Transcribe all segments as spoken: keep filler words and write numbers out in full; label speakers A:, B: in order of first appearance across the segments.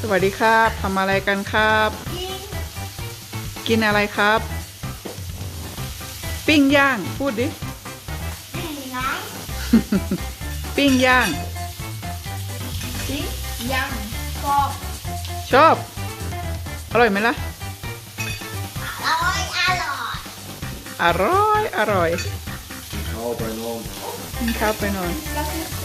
A: สวัสดีครับทำอะไรกันครับ กินอะไรครับ ปิ้งย่างพูดดิ ปิ้งย่าง
B: ปิ้งย่างกรอบ
A: ชอบ อร่อยไหมล่ะ
B: อร่อยอร่อย
A: อร่อย อร่อย
C: เอาไปนอน
A: กินข้าวไปนอน
B: ก็คือใจ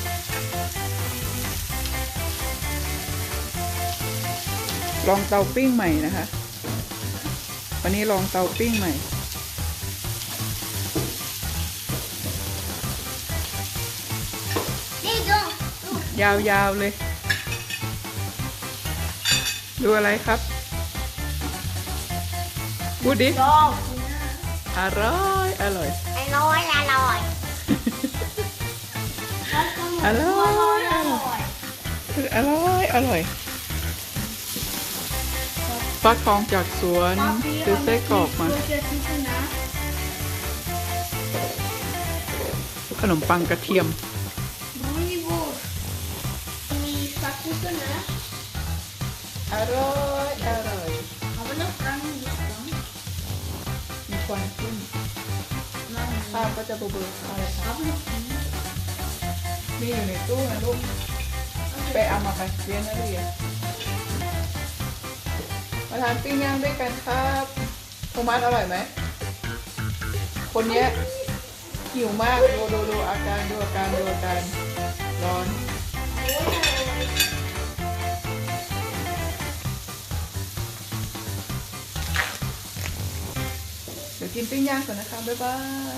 A: ลองเตาปิ้งใหม่นะคะ วันนี้ลองเตาปิ้งใหม่
B: นี่ดูดู
A: ยาวๆเลย ดูอะไรครับพูดดิ
B: กรอบ
A: อร่อย อร่อย
B: อร่อยอร่อย
A: อร่อย
B: อร่อย
A: อร่อย อร่อยฟักทองจากสวนซื้อไส้กรอกมา ขนมปังกระเทียม
B: มีฟักทองนะ
A: อร่อย อร่อย
B: เอาไปแล้วกัน
A: มีควันขึ้นข้าวก็จะเบลอๆอะไรครับมีอยู่ในตู้นะลูก ไปเอามาไปเรียนนักเรียนมาทานปิ้งย่างด้วยกันครับโทมัสอร่อยไหม คนเนี้ยหิวมาก ดูดูดูอาการดูอาการดูอาการร้อน เดี๋ยวกินปิ้งย่างก่อนนะคะ บ๊ายบาย